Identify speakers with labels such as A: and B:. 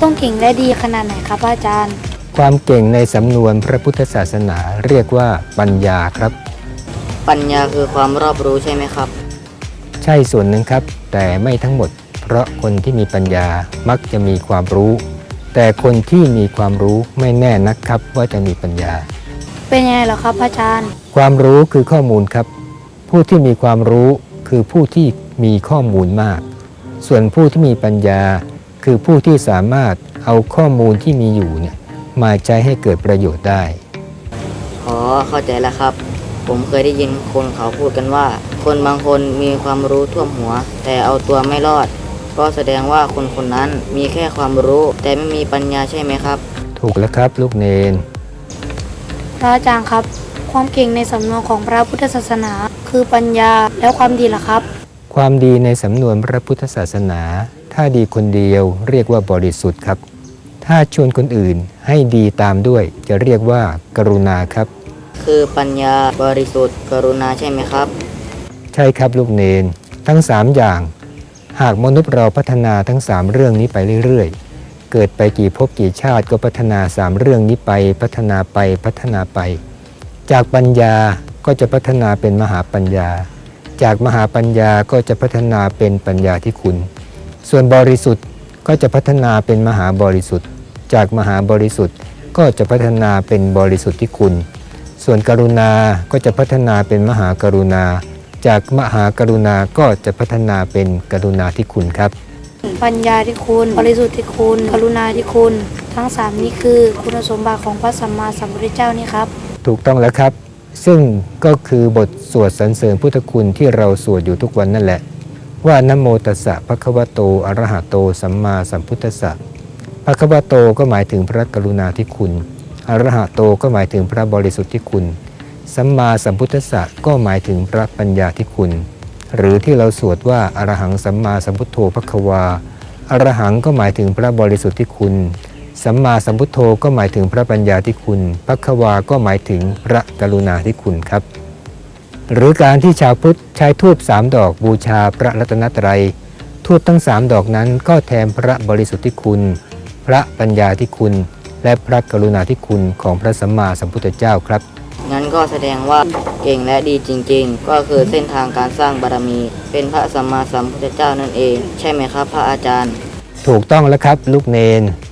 A: ต้องเก่งและดีขนาดไหนครับอาจารย์
B: ความเก่งในสำนวนพระพุทธศาสนาเรียกว่าปัญญาครับ
C: ปัญญาคือความรอบรู้ใช่ไหมครับ
B: ใช่ส่วนหนึ่งครับแต่ไม่ทั้งหมดเพราะคนที่มีปัญญามักจะมีความรู้แต่คนที่มีความรู้ไม่แน่นักครับว่าจะมีปัญญา
A: เป็นยังไงเหรอครับอาจารย์
B: ความรู้คือข้อมูลครับผู้ที่มีความรู้คือผู้ที่มีข้อมูลมากส่วนผู้ที่มีปัญญาคือผู้ที่สามารถเอาข้อมูลที่มีอยู่เนี่ยมาใช้ให้เกิดประโยชน์ได้
C: เข้าใจแล้วครับผมเคยได้ยินคนเขาพูดกันว่าคนบางคนมีความรู้ท่วมหัวแต่เอาตัวไม่รอดก็แสดงว่าคนคนนั้นมีแค่ความรู้แต่ไม่มีปัญญาใช่ไหมครับ
B: ถูกแล้วครับลูกเนน
A: พระอาจารย์ครับความเก่งในสำนวนของพระพุทธศาสนาคือปัญญาแล้วความดีล่ะครับ
B: ความดีในสำนวนพระพุทธศาสนาถ้าดีคนเดียวเรียกว่าบริสุทธิ์ครับถ้าชวนคนอื่นให้ดีตามด้วยจะเรียกว่ากรุณาครับ
C: คือปัญญาบริสุทธิ์กรุณาใช่ไหมครับ
B: ใช่ครับลูกเนนทั้ง3อย่างหากมนุษย์เราพัฒนาทั้ง3เรื่องนี้ไปเรื่อยๆเกิดไปกี่ภพกี่ชาติก็พัฒนา3เรื่องนี้ไปพัฒนาไปจากปัญญาก็จะพัฒนาเป็นมหาปัญญาจากมหาปัญญาก็จะพัฒนาเป็นปัญญาที่คุณส่วนบริสุทธิ์ก็จะพัฒนาเป็นมหาบริสุทธิ์จากมหาบริสุทธิ์ก็จะพัฒนาเป็นบริสุทธิ์ที่คุณส่วนกรุณาก็จะพัฒนาเป็นมหากรุณาจากมหากรุณาก็จะพัฒนาเป็นกรุณาธิคุณครับ
A: ปัญญาที่คุณบริสุทธิ์ที่คุณกรุณาที่คุณทั้ง3นี้คือคุณสมบัติของพระสัมมาสัมพุทธเจ้านี่ครับ
B: ถูกต้องแล้วครับซึ่งก็คือบทสวดสรรเสริญพุทธคุณที่เราสวดอยู่ทุกวันนั่นแหละว่านะโมตัสสะภะคะวะโตอะระหะโตสัมมาสัมพุทธัสสะภะคะวะโตก็หมายถึงพระกรุณาธิคุณอะระหะโตก็หมายถึงพระบริสุทธิ์ที่คุณสัมมาสัมพุทธัสสะก็หมายถึงพระปัญญาที่คุณหรือที่เราสวดว่าอรหังสัมมาสัมพุทโธภควาอรหังก็หมายถึงพระบริสุทธิ์ที่คุณสัมมาสัมพุทโธก็หมายถึงพระปัญญาที่คุณภควาก็หมายถึงพระกรุณาที่คุณครับหรือการที่ชาวพุทธใช้ธูป3ดอกบูชาพระรัตนตรัยธูปทั้ง3ดอกนั้นก็แทนพระบริสุทธิ์ที่คุณพระปัญญาที่คุณและพระกรุณาธิคุณของพระสัมมาสัมพุทธเจ้าครับ
C: งั้นก็แสดงว่าเก่งและดีจริงๆก็คือเส้นทางการสร้างบารมีเป็นพระสัมมาสัมพุทธเจ้านั่นเองใช่ไหมครับพระอาจารย์
B: ถูกต้องแล้วครับลูกเนน